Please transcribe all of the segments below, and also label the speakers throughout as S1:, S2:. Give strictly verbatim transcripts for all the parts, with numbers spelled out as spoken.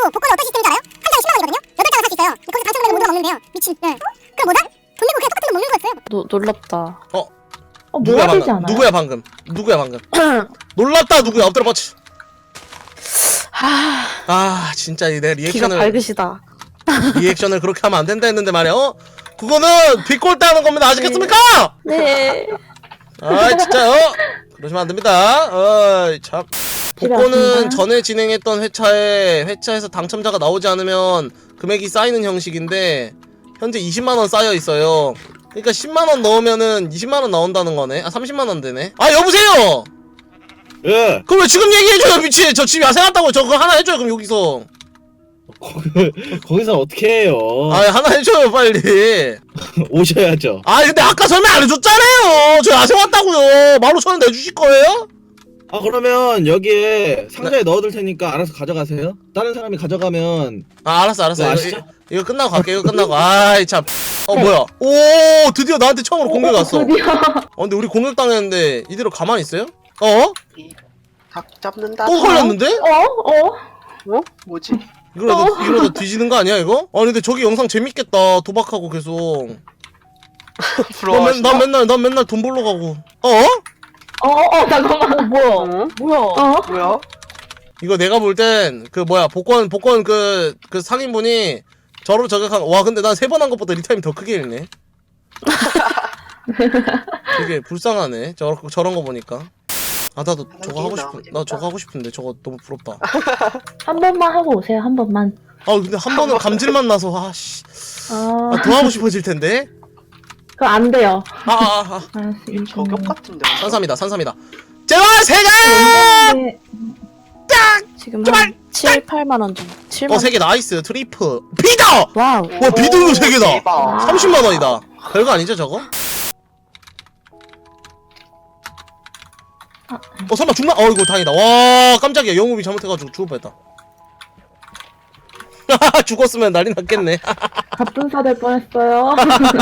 S1: 그리고 복권은 어떤 시스템인지 알아요? 한 장에 십만 원이거든요. 여덟 장을 살 수 있어요. 거기서 당첨되는 모두가 먹는데요. 미친. 네. 그럼 뭐다? 돈 내고 그냥 똑같은 돈 먹는 거였어요.
S2: 노, 놀랍다.
S3: 어?
S4: 어,
S3: 누구야
S4: 뭐가 되지
S3: 방금?
S4: 않아요?
S3: 누구야 방금? 누구야 방금? 놀랍다 누구야? 엎드려 뻗치.
S2: 하...
S3: 아 진짜 내
S2: 기가
S3: 리액션을
S2: 밝으시다.
S3: 리액션을 그렇게 하면 안 된다 했는데 말이야. 어? 그거는 비꼴 따는 겁니다. 아시겠습니까?
S2: 네.
S3: 아 진짜요? 그러시면 안 됩니다. 어이 참. 복권은
S4: 왔습니다.
S3: 전에 진행했던 회차에 회차에서 당첨자가 나오지 않으면 금액이 쌓이는 형식인데 현재 이십만 원 쌓여 있어요. 그러니까 십만 원 넣으면은 이십만 원 나온다는 거네. 아 삼십만 원 되네. 아 여보세요.
S5: 예.
S3: 그럼 왜 지금 얘기해줘요 미친. 저 집이 야생왔다고. 저 그거 하나 해줘요 그럼 여기서.
S5: 거기서 어떻게 해요?
S3: 아 하나 해줘요 빨리.
S5: 오셔야죠.
S3: 아 근데 아까 설명 안 해줬잖아요. 저 야생왔다고요. 만 오천 원 내주실 거예요?
S5: 아 그러면 여기에 상자에 넣어둘 테니까 알아서 가져가세요. 다른 사람이 가져가면
S3: 아 알았어 알았어.
S5: 네,
S3: 이거,
S5: 아시죠?
S3: 이거, 이거 끝나고 갈게. 이거 끝나고. 아이 참. 어 뭐야? 오 드디어 나한테 처음으로 공격 왔어.
S4: 드디어.
S3: 어 근데 우리 공격 당했는데 이대로 가만히 있어요? 어?
S6: 닭 잡는다.
S3: 또 걸렸는데?
S4: 어? 어?
S6: 어? 뭐지?
S3: 이러다 이러다 뒤지는 거 아니야 이거? 아니 근데 저기 영상 재밌겠다. 도박하고 계속. 나, 맨,
S6: 부러워하시나?
S3: 나 맨날 난 맨날 돈 벌러 가고. 어?
S4: 어? 어? 잠깐만. 뭐야?
S6: 어?
S2: 뭐야?
S4: 어?
S6: 뭐야?
S3: 이거 내가 볼 땐 그 뭐야 복권 복권 그 그 상인분이 저로 저격한. 와 근데 난 세 번 한 것보다 리타임 더 크게 읽네. 되게 불쌍하네. 저 저런 거 보니까. 아 나도 저거 하고 싶은. 나 저거 하고 싶은데 저거 너무 부럽다.
S4: 한 번만 하고 오세요. 한 번만.
S3: 아 근데 한 번은 감질만 나서 아씨.
S4: 아,
S3: 아, 더 하고 싶어질 텐데.
S4: 그거 안 돼요.
S3: 아, 아, 아.
S4: 아,
S6: 이게 저격 같은데.
S3: 산삼이다, 산삼이다. 제발 세 개!
S4: 네.
S2: 지금
S3: 제발!
S2: 한 칠, 팔만 원 정도. 칠만
S3: 어, 세 개 나이스. 트리플. 비다!
S2: 와우.
S3: 와, 비등도 세 개다.
S6: 대박.
S3: 삼십만 원이다. 별거 아니죠, 저거? 어, 설마 죽나? 어, 이거 다행이다. 와, 깜짝이야. 영업이 잘못해가지고 죽을 뻔했다. 죽었으면 난리 났겠네.
S4: 갑분사 될 뻔했어요.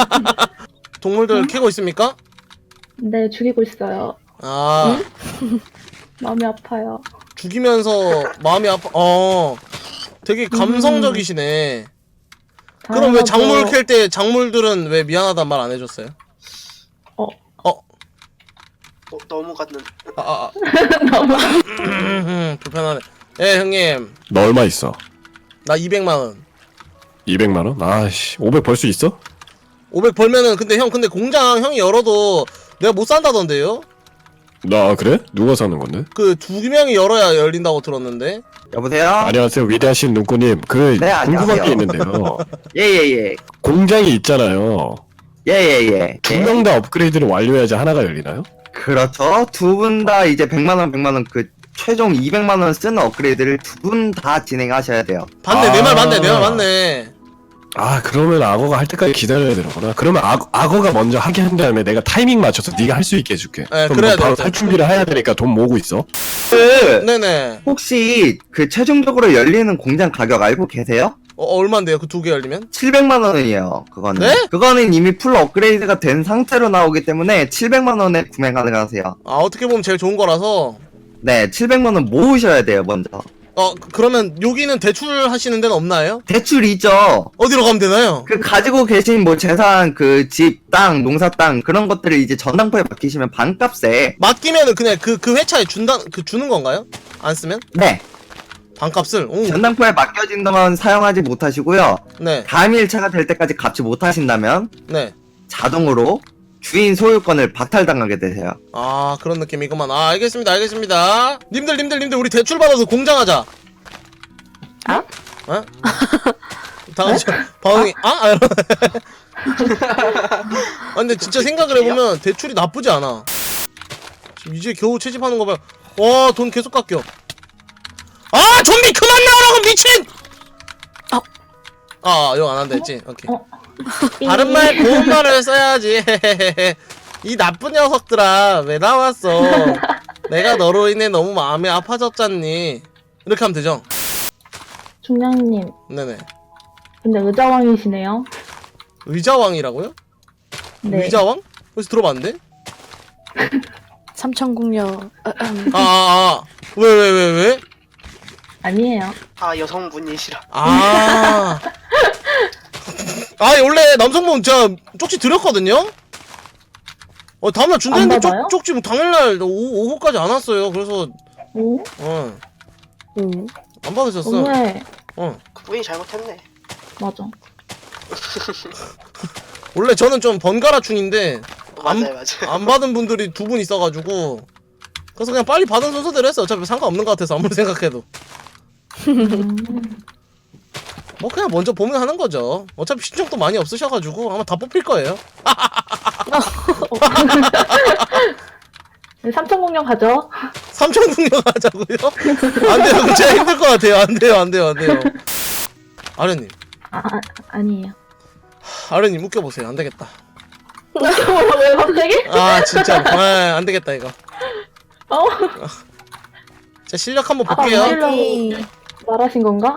S3: 동물들 캐고 있습니까?
S4: 네, 죽이고 있어요.
S3: 아,
S4: 마음이 아파요.
S3: 죽이면서 마음이 아파. 어, 되게 감성적이시네. 그럼 왜
S4: 당연하죠.
S3: 작물 캘 때 작물들은 왜 미안하단 말 안 해줬어요?
S4: 어.
S3: 어?
S6: 어, 너무 갔는.
S3: 아, 아, 아.
S4: 너무
S3: 음, 불편하네. 예, 형님.
S7: 너 얼마 있어?
S3: 나 이백만 원.
S7: 이백만 원? 아씨, 오백 벌 수 있어?
S3: 오백 벌면은, 근데 형, 근데 공장 형이 열어도 내가 못 산다던데요?
S7: 나 그래? 누가 사는 건데?
S3: 그 두 명이 열어야 열린다고 들었는데.
S8: 여보세요?
S7: 안녕하세요, 위대하신 눈꼬님. 그
S8: 네,
S7: 궁금한
S8: 안녕하세요.
S7: 게 있는데요.
S8: 예예예.
S7: 공장이 있잖아요.
S8: 예예예.
S7: 두 명 다 업그레이드를 완료해야지 하나가 열리나요?
S8: 그렇죠. 두 분 다 이제 백만 원, 백만 원 그 최종 이백만 원 쓰는 업그레이드를 두 분 다 진행하셔야 돼요.
S3: 맞네, 내 말 맞네, 내 말
S7: 아.
S3: 맞네.
S7: 아, 그러면 악어가 할 때까지 기다려야 되는구나. 그러면 악, 악어가 먼저 하게 한 다음에 내가 타이밍 맞춰서 네가 할 수 있게 해줄게.
S3: 네,
S7: 그럼
S3: 그래야
S7: 너 바로
S3: 돼.
S7: 살 준비를 해야 되니까 돈 모으고 있어.
S8: 그
S3: 네네.
S8: 혹시 그 최종적으로 열리는 공장 가격 알고 계세요?
S3: 어, 얼만데요? 그 두 개 열리면?
S8: 칠백만 원이에요. 그거는.
S3: 네?
S8: 그거는 이미 풀 업그레이드가 된 상태로 나오기 때문에 칠백만 원에 구매 가능하세요.
S3: 아, 어떻게 보면 제일 좋은 거라서.
S8: 네, 칠백만 원 모으셔야 돼요, 먼저.
S3: 어, 그- 그러면 여기는 대출 하시는 데는 없나요?
S8: 대출이죠.
S3: 어디로 가면 되나요?
S8: 그 가지고 계신 뭐 재산, 그 집, 땅, 농사 땅 그런 것들을 이제 전당포에 맡기시면 반값에
S3: 맡기면은 그냥 그, 그 회차에 준다, 그 주는 건가요? 안 쓰면?
S8: 네
S3: 반값을? 오,
S8: 전당포에 맡겨진 동안 사용하지 못하시고요.
S3: 네,
S8: 다음 일차가 될 때까지 갚지 못하신다면
S3: 네.
S8: 자동으로 주인 소유권을 박탈당하게 되세요.
S3: 아, 그런 느낌이구만. 아, 알겠습니다, 알겠습니다. 님들, 님들, 님들, 우리 대출 받아서 공장하자.
S4: 아?
S3: 어? 다 같이, 방이, 아? 아, 이러- 아, 근데 진짜 생각을 해보면 대출이 나쁘지 않아. 지금 이제 겨우 채집하는 거 봐. 와, 돈 계속 깎여. 아, 좀비 그만 나오라고, 미친!
S2: 아.
S3: 아, 이거 안 한다 했지? 오케이.
S4: 어.
S3: 바른 말, 고운 말을 써야지. 이 나쁜 녀석들아, 왜 나왔어? 내가 너로 인해 너무 마음이 아파졌잖니. 이렇게 하면 되죠?
S4: 중량님,
S3: 네네.
S4: 근데 의자왕이시네요.
S3: 의자왕이라고요?
S4: 네.
S3: 의자왕? 어디서 들어봤는데?
S2: 삼천궁녀.
S3: 아, 아, 아. 왜, 왜, 왜, 왜?
S4: 아니에요.
S6: 아 여성분이시라.
S3: 아. 아, 원래 남성분 제가 쪽지 드렸거든요? 어, 다음날 준다는데
S4: 안 받아요?
S3: 쪽, 쪽지 뭐 당일날 오후, 오후까지 안 왔어요. 그래서,
S4: 오?
S3: 어,
S2: 음.
S3: 안 받으셨어.
S4: 너무해.
S3: 어.
S6: 그분이 잘못했네.
S4: 맞아.
S3: 원래 저는 좀 번갈아충인데, 안,
S6: 맞아요 맞아요.
S3: 안 받은 분들이 두 분 있어가지고, 그래서 그냥 빨리 받은 순서대로 했어요. 어차피 상관없는 것 같아서, 아무리 생각해도.
S4: 음.
S3: 뭐 그냥 먼저 보면 하는 거죠. 어차피 신청도 많이 없으셔가지고 아마 다 뽑힐 거예요.
S4: 네, 삼천 공룡 가죠.
S3: 삼천 공룡 하자고요? 안 돼요. 그거 제가 힘들 것 같아요. 안 돼요. 안 돼요. 안 돼요. 아련님,
S4: 아, 아 아니에요.
S3: 아련님 웃겨보세요. 안 되겠다.
S4: 왜 갑자기?
S3: 아 진짜, 아, 안 되겠다 이거.
S4: 어?
S3: 제 실력 한번
S4: 아,
S3: 볼게요.
S4: 말하려고 말하신 건가?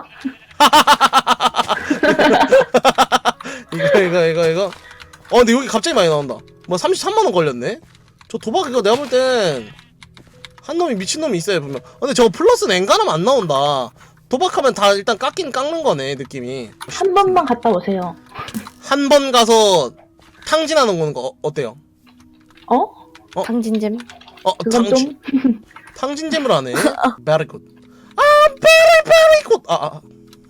S3: 이거 이거 이거 이거. 어 근데 여기 갑자기 많이 나온다. 뭐 삼십삼만 원 걸렸네. 저 도박 이거 내가 볼 땐 한 놈이 미친 놈이 있어요 분명. 어, 근데 저거 플러스는 엔간하면 안 나온다. 도박하면 다 일단 깎긴 깎는 거네 느낌이.
S4: 한 번만 갔다 오세요.
S3: 한 번 가서 탕진하는 거 어, 어때요?
S4: 어?
S2: 당진잼.
S3: 어
S4: 그건
S3: 탕진
S4: 좀
S3: 탕진잼을 하네. Very good. 아 very very good. 아, 아.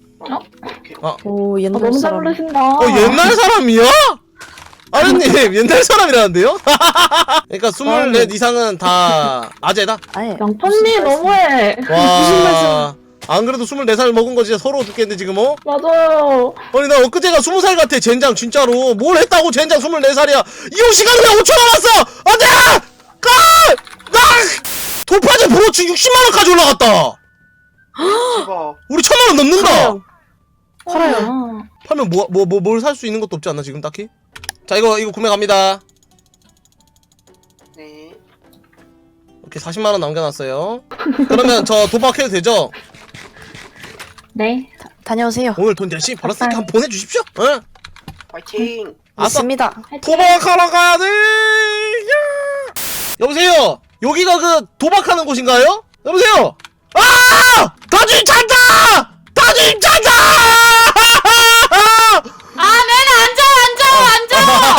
S2: 오,
S4: 어,
S2: 옛날
S4: 너무 잘
S2: 사람.
S4: 부르신다.
S3: 어 옛날 사람이야? 아련님 옛날 사람이라는데요? 그러니까 스물넷 이상은 다 아재다?
S2: 아예.
S4: 양파님 너무해.
S3: 와. 안 그래도 스물네 살 먹은 거 진짜 서러워 죽겠는데 지금 어?
S4: 맞아요.
S3: 아니 나 엊그제가 스무 살 같아 젠장 진짜로. 뭘 했다고 젠장 스물네 살이야. 이용 시간이 왜 오 초 남았어. 안돼! 가! 나! 돌파제 브로치 육십만 원까지 올라갔다.
S6: 제발.
S3: 우리 천만 원 넘는다.
S2: 팔아요.
S4: 아,
S3: 팔면 뭐 뭐 뭐 뭘 살 수 있는 것도 없지 않나 지금 딱히? 자 이거 이거 구매 갑니다.
S6: 네.
S3: 이렇게 사십만 원 남겨놨어요. 그러면 저 도박해도 되죠?
S4: 네.
S2: 다녀오세요.
S3: 오늘 돈 열심히 벌었으니까 한번 보내주십시오. 응?
S6: 파이팅.
S3: 아싸.
S2: 맞습니다.
S3: 도박하러 가야 돼. 야! 여보세요. 여기가 그 도박하는 곳인가요? 여보세요. 아! 다주임 찬다! 다주임 찬다!
S9: 아, 네네, 앉아, 앉아,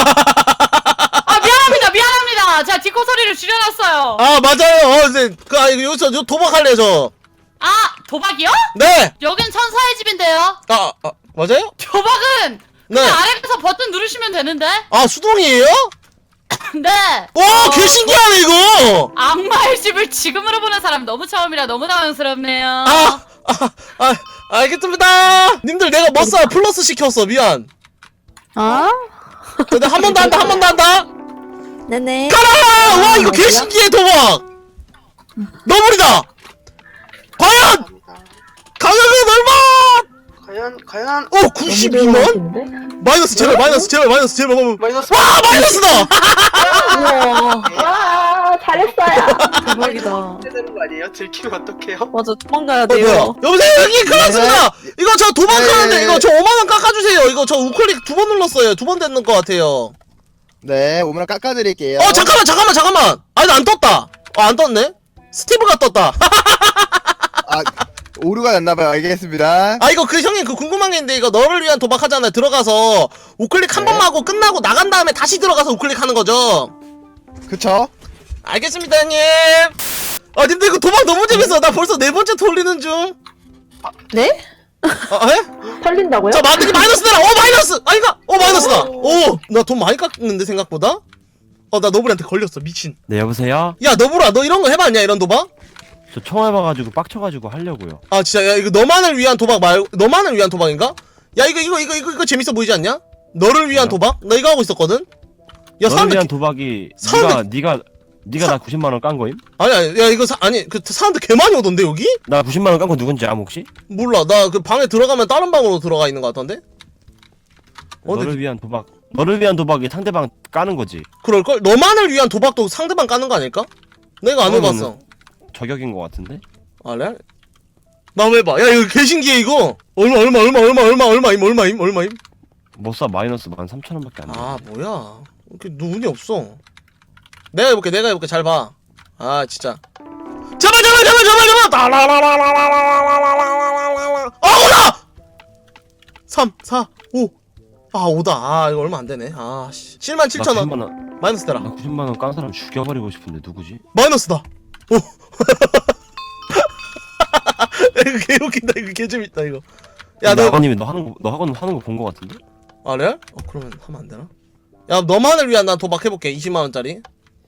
S9: 앉아! 아, 미안합니다, 미안합니다. 제가 디코 소리를 줄여놨어요.
S3: 아 맞아요. 어, 네. 그 아, 여기서 저 도박할래 저.
S9: 아, 도박이요?
S3: 네.
S9: 여긴 천사의 집인데요.
S3: 아, 아 맞아요?
S9: 도박은
S3: 네.
S9: 그냥 아래에서 버튼 누르시면 되는데.
S3: 아 수동이에요?
S9: 네.
S3: 와, 개 신기하네 이거.
S9: 악마의 집을 지금으로 보는 사람 너무 처음이라 너무 당황스럽네요.
S3: 아, 아, 아, 알겠습니다. 님들 내가 머싸 플러스 시켰어. 미안.
S2: 아?
S3: 근데 한 번 더 한다, 한 번 더 한다.
S2: 네네.
S3: 가라! 와, 이거 개 신기해 도박. 너블이다. 과연
S6: 감사합니다.
S3: 가격은 얼마?
S6: 과연 과연
S3: 어, 구십이만?
S4: 너무
S3: 마이너스 제발, 마이너스 제발, 마이너스 제발. 와,
S6: 마이너스.
S3: 마이너스다.
S2: 우와.
S4: 와, 잘했어요.
S2: 대박이다.
S6: 되는 거 아니에요? 들키면 어떡해요?
S2: 맞아, 도망가야
S3: 어, 뭐야?
S2: 돼요.
S3: 여보세요, 여기 큰일 났습니다. 이거 저 도박하는데
S8: 네.
S3: 이거 저 오만 원 깎아주세요. 이거 저 우클릭 두 번 눌렀어요. 두 번 됐는 것 같아요.
S10: 네, 오면 깎아드릴게요.
S3: 어, 잠깐만, 잠깐만, 잠깐만. 아니, 나 안 떴다. 어, 안 떴네. 스티브가 떴다.
S10: 아, 오류가 났나봐요. 알겠습니다.
S3: 아, 이거 그 형님 그 궁금한 게 있는데 이거 너를 위한 도박하잖아요. 들어가서 우클릭 한
S10: 네.
S3: 번만 하고 끝나고 나간 다음에 다시 들어가서 우클릭 하는 거죠.
S10: 그쵸?
S3: 알겠습니다, 형님. 아, 님들 이거 도박 너무 재밌어. 나 벌써 네 번째 돌리는 중.
S2: 네?
S3: 아, 에?
S4: 털린다고요?
S3: 자, 마트기 마이너스 내라. 어, 마이너스. 아닌가? 어, 마이너스다. 오, 나 돈 많이 깎는데 생각보다. 어, 나 너블한테 걸렸어. 미친.
S11: 네 여보세요?
S3: 야, 너블아, 너 이런 거 해봤냐? 이런 도박?
S11: 저 처음 해봐가지고 빡쳐가지고 하려고요.
S3: 아, 진짜. 야, 이거 너만을 위한 도박 말고 너만을 위한 도박인가? 야, 이거 이거 이거 이거 이거 재밌어 보이지 않냐? 너를 위한
S11: 뭐요?
S3: 도박? 나 이거 하고 있었거든. 야,
S11: 너를
S3: 사람들
S11: 위한
S3: 개-
S11: 도박이
S3: 사람들-
S11: 네가 네가 네가
S3: 사-
S11: 나 구십만 원 깐 거임?
S3: 아니 아니 야 이거 사, 아니 그 사람들 개 많이 오던데 여기?
S11: 나 구십만 원 깐 거 누군지 암 혹시?
S3: 몰라. 나 그 방에 들어가면 다른 방으로 들어가 있는 것 같던데. 어,
S11: 너를
S3: 근데
S11: 위한 도박 너를 위한 도박이 상대방 까는 거지.
S3: 그럴 걸? 너만을 위한 도박도 상대방 까는 거 아닐까? 내가 안
S11: 그거는-
S3: 해봤어.
S11: 저격인 거 같은데?
S3: 아, 레알? 나 한번 해봐. 야 이거 개 신기해 이거. 얼마 얼마 얼마 얼마 얼마 얼마임 얼마임 얼마임?
S11: 못사 마이너스 만 삼천 원밖에 안 돼.
S3: 아 뭐야? 이렇게 눈이 없어. 내가 해볼게. 내가 해볼게. 잘 봐. 아 진짜. 제발 제발 제발 제발 제발. 따라라라라라라라라라. 삼, 사, 오. 아 오다. 아 이거 얼마 안 되네. 아 씨. 칠만 칠천 원.
S11: 구십만 원.
S3: 마이너스 되라.
S11: 나 구십만 원 깐 사람 죽여버리고 싶은데 누구지?
S3: 마이너스다. 오. 이거 개 웃긴다. 이거 개 재밌다 이거. 야
S11: 야,
S3: 너.
S11: 아버님이 너 하는 거, 너 학원 하는 거 본 거 같은데?
S3: 아 레알? 어 그러면 하면 안 되나? 야 너만을 위한 난 도박해볼게. 이십만 원짜리.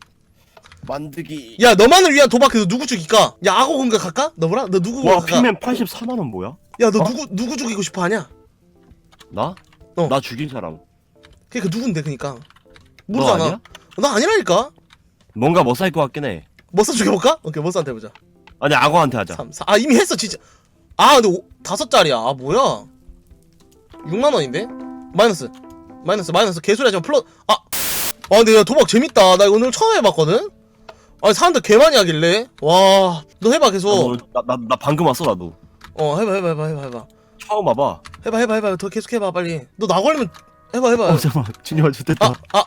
S11: 만드기.
S3: 야 너만을 위한 도박해서 누구 죽일까? 야 악어 공격할까? 너보라? 너 누구
S11: 와,
S3: 공격할까?
S11: 핑맨 팔십사만 원 뭐야?
S3: 야 너 누구 누구 죽이고 싶어 하냐?
S11: 나?
S3: 어.
S11: 나 죽인 사람.
S3: 그니까 누군데 그니까
S11: 너
S3: 모르잖아.
S11: 아니야?
S3: 나 아니라니까.
S11: 뭔가 멋살 것 같긴 해.
S3: 머싸 죽여볼까? 오케이 머싸한테 해보자.
S11: 아니, 악어한테 하자.
S3: 삼, 사. 아 이미 했어 진짜. 아 근데 오, 다섯 짜리야. 아 뭐야? 육만 원인데? 마이너스. 마이너스 마이너스 개소리 하지마. 플러. 아. 아 근데 야 도박 재밌다. 나 이거 오늘 처음 해봤거든. 아니 사람들 개 많이 하길래. 와. 너 해봐 계속.
S11: 나, 나, 나 방금 왔어, 나도.
S3: 어 해봐 해봐 해봐 해봐 해봐.
S11: 처음 와봐.
S3: 해봐 해봐 해봐. 더 계속 해봐 빨리. 너 나 걸리면 해봐 해봐.
S11: 어, 잠깐만. 준이가 좋됐다.
S3: 아 아.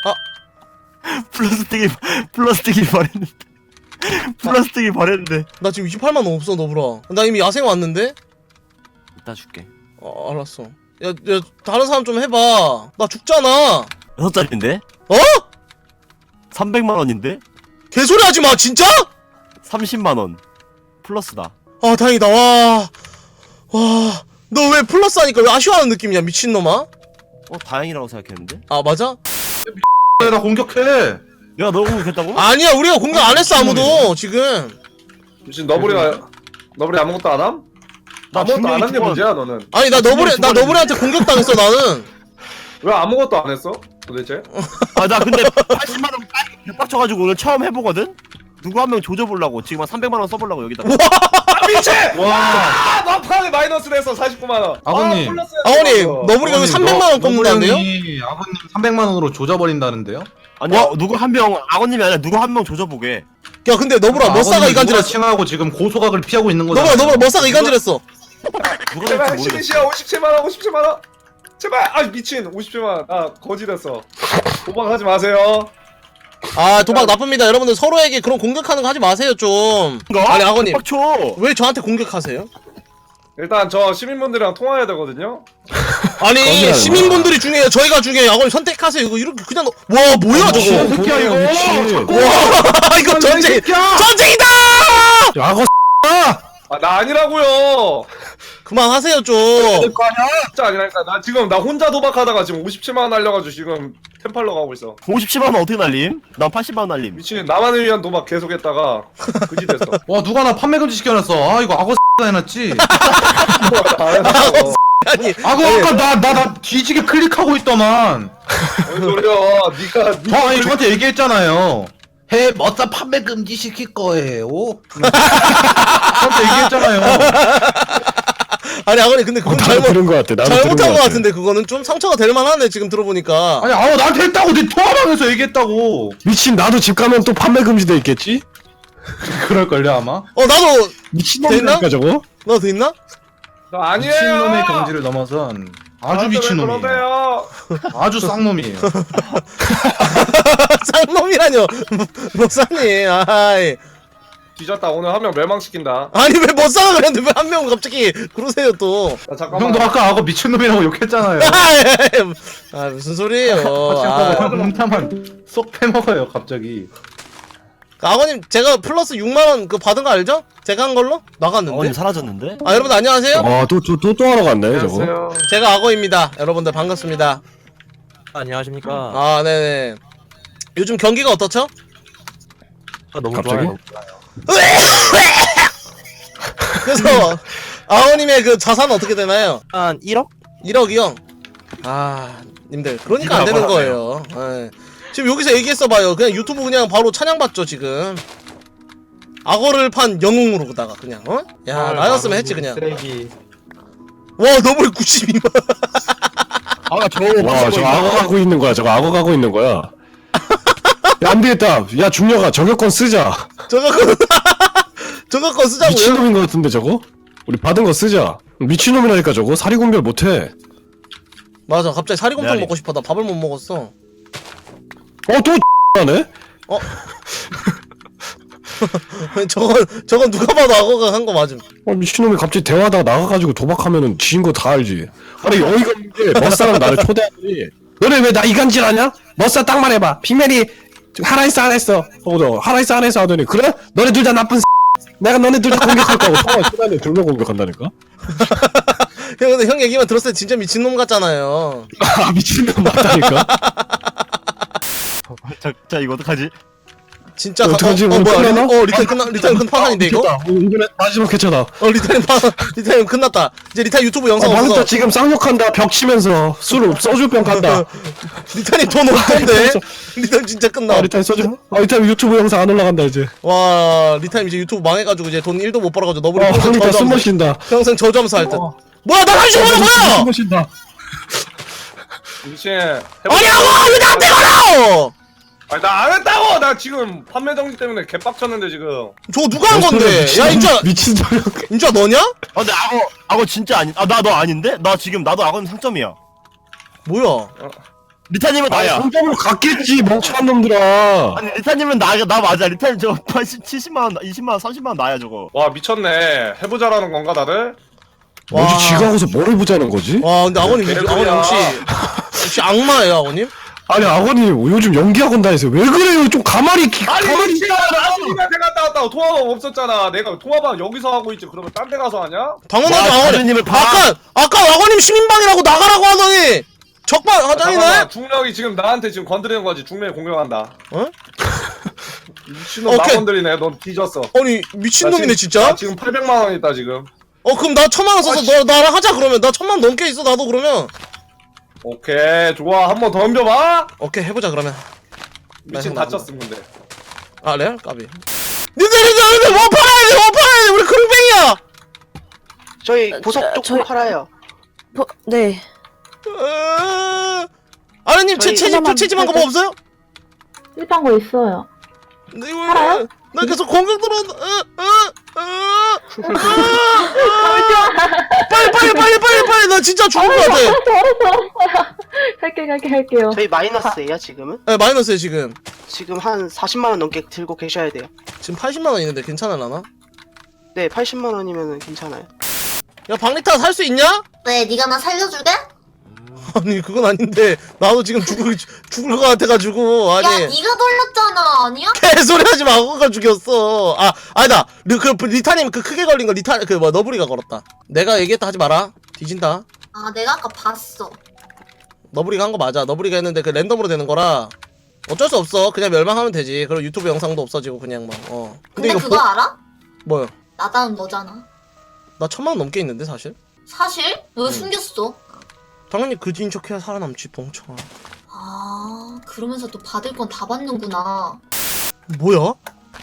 S11: 플라스틱이, 플라스틱이 바랬는데. 플라스틱이 바랬는데.
S3: 나 지금 이십팔만 원 없어 너브라. 나 이미 야생 왔는데?
S11: 이따 줄게.
S3: 어 알았어. 야, 야 다른 사람 좀 해봐. 나 죽잖아.
S11: 여섯 짜리인데?
S3: 어?
S11: 삼백만 원인데?
S3: 개소리 하지 마 진짜?
S11: 삼십만 원. 플러스다.
S3: 아 다행이다. 와. 와. 너 왜 플러스 하니까 왜 아쉬워하는 느낌이야 미친놈아?
S11: 어, 다행이라고 생각했는데?
S3: 아 맞아?
S5: 나 공격해.
S11: 야, 너 공격했다고?
S3: 아니야 우리가 공격 안 했어 아무도 지금.
S10: 무슨 너브리가 너브리 아무것도 안 함?
S11: 나
S10: 아무것도
S11: 분명히
S10: 안 한 게
S11: 두 번-
S10: 문제야 너는.
S3: 아니 나 너브리 나 너브리한테 공격당했어 나는.
S10: 왜 아무것도 안 했어? 도대체?
S11: 아, 나 근데 팔십만 원 빡쳐가지고 오늘 처음 해보거든? 누구 한 명 조져보려고. 지금 한 삼백만 원 써보려고 여기다.
S10: 아 미친!
S5: 와.
S10: 아 막판에 마이너스 냈어 사십구만 원.
S5: 아버님.
S10: 아, 플러스
S3: 아버님
S10: 했어.
S3: 너브리가 여기 삼백만 원 꼽는다는데요?
S5: 아버님 삼백만 원으로 조져버린다는데요?
S11: 아니야, 누구 한 명, 악어님이 아니라 누구 한 명 조져보게.
S3: 야 근데 너브라 머싸가 이간질했어.
S5: 칭하고 지금 고소각을 피하고 있는
S3: 너브라 너브라 머싸가 이간질했어.
S11: 누가
S10: 제발
S11: 될지 모르겠어.
S10: 시민시야 오십칠만 원 오십칠만 원. 제발 아 미친 오십칠만 원. 아 거지됐어. 도박하지 마세요.
S3: 아 도박 나쁩니다. 여러분들 서로에게 그런 공격하는 거 하지 마세요 좀. 아니 악어님
S11: 빡쳐.
S3: 왜 저한테 공격하세요?
S10: 일단 저 시민분들이랑 통화해야 되거든요.
S3: 아니
S7: 거짓말이야.
S3: 시민분들이 중요해요. 저희가 중요해요. 악어님 선택하세요. 이거 이렇게 그냥 넣- 와 뭐야 저거.
S5: 새끼야 이거.
S3: 와 이거 전쟁 전쟁이다.
S7: 악어
S10: 아 나 아니라고요.
S3: 그만하세요 좀.
S10: 진짜 아니라니까. 나 지금 나 혼자 도박하다가 지금 오십칠만 원 날려가지고 지금 템팔러 가고 있어.
S11: 오십칠만 원 어떻게 날림? 난 팔십만 원 날림.
S10: 미친 나만을 위한 도박 계속했다가 그지 됐어.
S5: 와 누가 나 판매 금지 시켜놨어. 아 이거 악어 해놨지.
S3: 아니
S5: 악어 아까 나 나 나 뒤지게 클릭하고 있더만.
S10: 뭔 소리야? 네가 네
S5: 어 아니 저한테 얘기했잖아요. 해 머싸 판매 금지 시킬 거예요. 저한테 얘기했잖아요.
S3: 아니 악어님 근데 그건
S7: 어, 나도
S3: 잘못
S7: 들은 거 같아. 나도 들은
S3: 잘못한
S7: 거
S3: 거
S7: 같아.
S3: 같은데 그거는 좀 상처가 될 만하네 지금 들어보니까.
S5: 아니 아우 나한테 했다고 내 통화방에서 얘기했다고.
S7: 미친 나도 집 가면 또 판매 금지돼 있겠지?
S5: 그럴걸요 아마.
S3: 어 나도
S7: 미친놈이니까 저거?
S3: 나도 돼 있나?
S10: 나 아니에요.
S5: 미친놈의 경지를 넘어선 아주 미친놈이에요.
S10: 그러세요.
S5: 아주 쌍놈이에요.
S3: 쌍놈이라뇨. 목사님 아이.
S10: 뒤졌다. 오늘 한 명 멸망시킨다.
S3: 아니 왜 못 싸가 그랬는데 왜 한 명 갑자기 그러세요 또.
S10: 자, 잠깐만.
S5: 형도 아까 악어 미친놈이라고 욕했잖아요.
S3: 아 무슨 소리예요.
S5: 아,
S3: 아,
S5: 공타만 쏙 패먹어요 갑자기.
S3: 아버님 제가 플러스 육만 원 그 받은 거 알죠? 제가 한 걸로 나갔는데.
S11: 악어님 사라졌는데?
S3: 아 여러분 안녕하세요.
S7: 아또또 또 하러 갔네 저거.
S10: 안녕하세요.
S3: 제가 악어입니다. 여러분들 반갑습니다.
S11: 안녕하십니까.
S3: 아 네네. 요즘 경기가 어떻죠?
S11: 아, 너무
S7: 갑자기?
S11: 좋아요.
S3: 그래서 아버님의 그 자산은 어떻게 되나요?
S11: 한 일억?
S3: 일억이요? 아 님들 그러니까 안 되는 거예요. 예. 지금 여기서 얘기했어봐요. 그냥 유튜브 그냥 바로 찬양받죠 지금. 악어를 판 영웅으로다가 그냥 어? 야 나였으면 했지 그냥. 와 너무 구십이만.
S5: 아 저거
S7: 와 저거 악어 가고 있는 거야. 저거 악어 가고 있는 거야. 야, 안 되겠다. 야 중녀가 저격권 쓰자.
S3: 저거 거 저거 거 쓰자고요?
S7: 미친놈인 거 같은데 저거? 우리 받은 거 쓰자. 미친놈이라니까 저거 사리 분별 못해.
S3: 맞아 갑자기 사리곰탕
S11: 메아리.
S3: 먹고 싶어. 나 밥을 못 먹었어.
S7: 어또 하네?
S3: 어? 저건 저건 누가 봐도 악어가 한 거 맞음.
S7: 아, 미친놈이 갑자기 대화하다가 나가가지고 도박하면은 지인 거 다 알지. 아니 어이가 없는 게 머싸랑 나를 초대하더니 너네 왜 나 이간질하냐? 머싸 딱 말해봐. 빅맨이 하라이스 안 했어. 어, 너 하라이스 안 했어 하더니 그래? 너네 둘 다 나쁜 내가 너네 둘 다 공격할 거고 통화 시간에 둘러 공격한다니까?
S3: 형 근데 형 얘기만 들었을 때 진짜 미친놈 같잖아요.
S7: 아 미친놈 맞다니까?
S11: 자, 자 이거 어떡하지?
S3: 진짜
S7: 어, 어떡하지?
S3: 어, 어
S7: 오늘
S3: 뭐야
S7: 끝나나?
S3: 리, 어 리타임 끝나 리타임 끝판왕인데 이거?
S7: 미쳤다. 어, 이번에 마지막 회차다.
S3: 어 리타임 파 리타임 끝났다. 이제 리타 유튜브 영상
S7: 아,
S3: 없어.
S7: 방금 지금 쌍욕한다. 벽 치면서 술 소주병 간다.
S3: 리타임 돈 없던데. 리타임 진짜 끝나.
S7: 아 리타임 소주? 아 리타임 유튜브 영상 안 올라간다 이제.
S3: 와 리타임 이제 유튜브 망해가지고 이제 돈 일도 못 벌어가지고 너블이
S7: 아
S3: 평생
S7: 황리타 숨
S3: 저점수
S7: 마신다.
S3: 평생 저점수 할 듯.
S7: 어.
S3: 뭐야 나 한시 오는 거야?
S7: 숨 마신다.
S10: 미친.
S3: 아니 악어 왜 나한테 걸어?
S10: 아니 나 안 했다고. 나 지금 판매 정지 때문에 개빡쳤는데 지금.
S3: 저거 누가 한 건데?
S7: 미친-
S3: 야 인자
S7: 미친 소리.
S3: 인자 너냐?
S11: 아 근데 악어 악어 진짜 아니 아나 너 아닌데? 나 지금 나도 악어는 상점이야.
S3: 뭐야?
S11: 리타님은
S7: 아
S11: 나야.
S7: 상점으로 갔겠지 멍청한 놈들아.
S11: 아니 리타님은 나 나 맞아. 리타님 저 팔십 칠십만 원, 이십만 원, 삼십만 원 나야 저거.
S10: 와 미쳤네. 해보자라는 건가 다들?
S7: 뭐지
S3: 와.
S7: 지가 하고서 뭐를 보자는 거지?
S3: 와 근데 아버님
S10: 개소리야.
S3: 아버님 혹시 혹시 악마예요 아버님?
S7: 아니 아버님 요즘 연기학원 다니세요. 왜 그래요? 좀 가만히 기,
S10: 아니
S7: 가만히
S10: 미친아 나 어디한테 갔다 왔다고 통화방 없었잖아. 내가 통화방 여기서 하고 있지. 그러면 딴 데 가서 하냐?
S3: 당연하죠
S11: 와,
S3: 아버님.
S11: 자주님을 봐.
S3: 아까 아까 아버님 시민방이라고 나가라고 하더니 적반 하장이네.
S10: 잠깐만, 중력이 지금 나한테 지금 건드리는 거지. 중력이 공격한다.
S3: 어?
S10: 미친놈 나
S3: 오케이.
S10: 건드리네. 넌 뒤졌어.
S3: 아니 미친놈이네
S10: 나 지금-
S3: 진짜.
S10: 나 지금 팔백만 원 있다 지금.
S3: 어 그럼 나 천만 원 써서
S10: 아,
S3: 너 나랑 하자 그러면. 나 천만 넘게 있어 나도 그러면.
S10: 오케이 좋아. 한 번 덤벼봐.
S3: 오케이 해보자 그러면.
S10: 미친
S3: 나
S10: 다쳤음 근데.
S3: 아 레알 까비. 니들 니들 니들 뭐 팔아야 돼? 뭐 팔아야 돼? 우리 크롱뱅이야.
S6: 저희 보석 조금
S2: 저희-
S6: 팔아요.
S2: 뭐, 네.
S3: 어... 아르님 채
S6: 저희
S3: 채집
S9: 하나만
S3: 채집한 거 뭐 없어요?
S4: 일단 거 있어요.
S3: 네, 이거
S4: 팔아요?
S3: 나 계속 공격 들어온다. 어, 어, 어, 어, 어, 빨리 빨리 빨리 빨리 빨리 나 진짜 죽을 것 같아.
S4: 알았어 알았어. 할게 할게 할게요.
S6: 저희 마이너스예요 지금은?
S3: 네, 마이너스에 지금
S6: 지금 한 사십만 원 넘게 들고 계셔야 돼요.
S3: 지금 팔십만 원 있는데 괜찮을라나?
S6: 네, 팔십만 원이면 괜찮아요.
S3: 야 박리타 살 수 있냐?
S1: 왜 네가 나 살려줄게?
S3: 아니 그건 아닌데 나도 지금 죽을 죽을 것 같아가지고 아니
S1: 야 네가 돌렸잖아 아니야?
S3: 개소리 하지 마. 악어가 죽였어. 아 아니다. 그, 그 리타님 그 크게 걸린 거 리타 그 뭐 너브리가 걸었다. 내가 얘기했다 하지 마라. 뒤진다.
S1: 아 내가 아까 봤어.
S3: 너브리가 한 거 맞아. 너브리가 했는데 그 랜덤으로 되는 거라 어쩔 수 없어. 그냥 멸망하면 되지. 그리고 유튜브 영상도 없어지고 그냥 막 어.
S1: 근데,
S3: 이거
S1: 그거
S3: 보-
S1: 알아?
S3: 뭐요?
S1: 나다운 너잖아.
S3: 나 천만 원 넘게 있는데 사실.
S1: 사실? 왜
S3: 응.
S1: 숨겼어?
S3: 당연히 그지인 척해야 살아남지 멍청아.
S1: 아 그러면서 또 받을 건 다 받는구나.
S3: 뭐야? 어?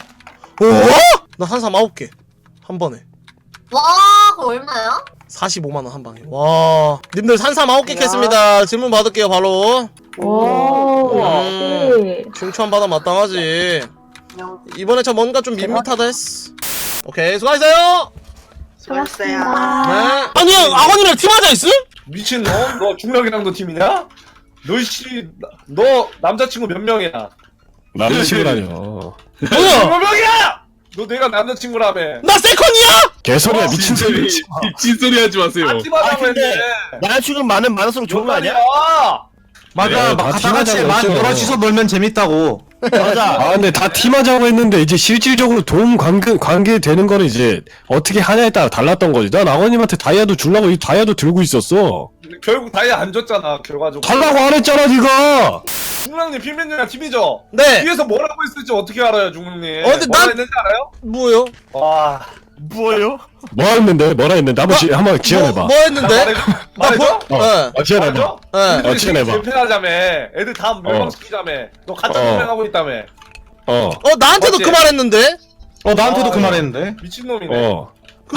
S3: 나 산삼 아홉 개 한 번에
S1: 와 그거 얼마야?
S3: 사십오만 원 한 방에. 와 님들 산삼 아홉 개
S6: 야.
S3: 캤습니다. 질문 받을게요 바로.
S4: 오.
S3: 음.
S4: 역시.
S3: 칭찬 받아 마땅하지. 이번에 저 뭔가 좀 밋밋하다 했어. 오케이 수고하셨어요.
S6: 수고하셨어요.
S3: 네. 아니 아버님이랑 팀하자 있음?
S10: 미친 놈? 너 중력이랑도 팀이냐? 너씨 너 남자친구 몇 명이야?
S7: 남자친구라뇨.
S3: 뭐야?
S10: 몇 명이야? 너 내가 남자친구라며.
S3: 나 세컨이야?
S7: 개소리야 미친 소리.
S5: 미친 소리 하지 마세요.
S10: 같이
S11: 아
S10: 받아고
S11: 근데
S10: 했는데.
S11: 나야 지금 많은 많을수록 좋은 거 아니야?
S8: 맞아.
S7: 네,
S8: 막
S7: 다
S8: 다 같이
S7: 팀하자고
S8: 만
S7: 했죠.
S8: 여럿이서 놀면 재밌다고.
S11: 맞아.
S7: 아 근데 다 팀하자고 했는데 이제 실질적으로 도움 관계 관계 되는 거는 이제 어떻게 하냐에 따라 달랐던 거지. 난 아버님한테 다이아도 주려고 이 다이아도 들고 있었어.
S10: 결국 다이아 안 줬잖아 결과적으로.
S7: 달라고 안 했잖아 네가.
S10: 중랑님 피면님이랑 팀이죠?
S3: 네.
S10: 뒤에서 뭐라고 했을지 어떻게 알아요 중랑님?
S3: 어, 근데
S10: 뭐라
S3: 난-
S10: 했는지 알아요?
S3: 뭐요?
S10: 와
S11: 뭐예요?
S7: 뭐 했는데 뭐라 했는데 한번 지, 한번 지어내봐.
S3: 뭐, 뭐 했는데?
S10: 말해줘? 말해줘?
S3: 뭐?
S7: 어,
S3: 네.
S7: 어, 지어내봐.
S10: 말해줘?
S3: 네.
S7: 어, 지어내봐.
S10: 개편하자며. 애들 다 멸망시키자며. 너 가짜
S7: 어.
S10: 멸망하고 있다며.
S7: 어,
S3: 어 나한테도
S10: 어째?
S3: 그 말 했는데?
S8: 어 나한테도
S10: 아,
S8: 그 말했는데.
S10: 미친놈이네.
S7: 어.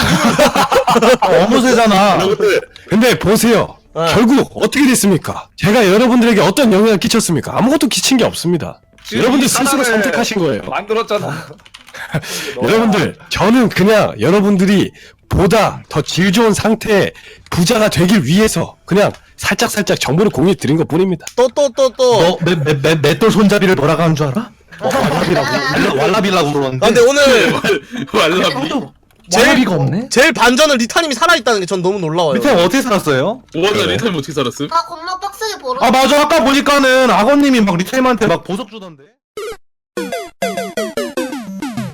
S8: 어무새잖아.
S7: 여러분들, 근데 보세요.
S3: 네.
S7: 결국 어떻게 됐습니까? 제가 여러분들에게 어떤 영향을 끼쳤습니까? 아무것도 끼친 게 없습니다.
S10: 지금
S7: 여러분들
S10: 이
S7: 스스로
S10: 사람을
S7: 선택하신 거예요.
S10: 만들었잖아.
S7: 여러분들, 저는 그냥 여러분들이 보다 더 질 좋은 상태의 부자가 되길 위해서 그냥 살짝살짝 정보를 공유해 드린 것 뿐입니다.
S3: 또 또 또 또.
S8: 너 맷, 맷, 맷, 맷돌 손잡이를 뭐라고 하는 줄 알아?
S5: 왈라- 왈라비라고 그러는데.
S3: 아, 근데 오늘
S12: 왈라비.
S3: 제일-
S5: 왈라비가 없네.
S3: 제일 반전은 리타님이 살아있다는 게 전 너무 놀라워요.
S5: 밑에 어떻게 살았어요?
S12: 오나
S7: 그래.
S12: 리타임 어떻게 살았음?
S1: 나 겁나 빡세게 벌어.
S5: 아 맞아 아까 보니까는 악어님이 막 리타임한테 막 보석 주던데.